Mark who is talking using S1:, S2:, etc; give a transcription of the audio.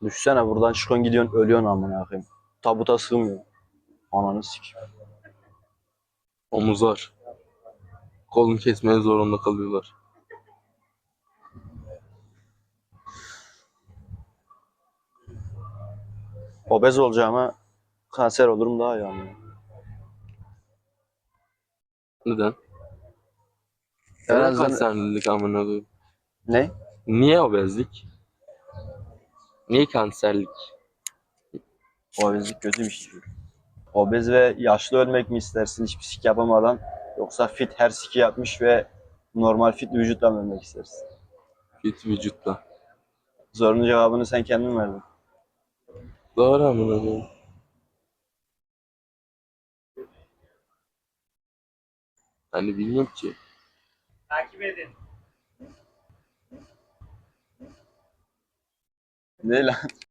S1: Düşsene buradan çıkıyorsun gidiyorsun ölüyorsun amına koyayım. Tabuta sığmıyor. Ananı sikeyim.
S2: Omuzlar. Kolunu kesmeye zorunda kalıyorlar.
S1: Obez olacağıma kanser olurum daha iyi amına.
S2: Neden?
S1: En
S2: Neden
S1: azından
S2: kanserlilik amına koyayım?
S1: ne?
S2: Niye obezlik? Niye kanserlik?
S1: Obezlik kötü bir şey. Obez ve yaşlı ölmek mi istersin hiçbir sik yapamadan yoksa fit her siki yapmış ve normal fit vücutla mı ölmek istersin?
S2: Fit vücutla.
S1: Sorunun cevabını sen kendin verdin.
S2: Doğru amına koyayım. Hani bilmiyorum ki.
S1: Ne lan?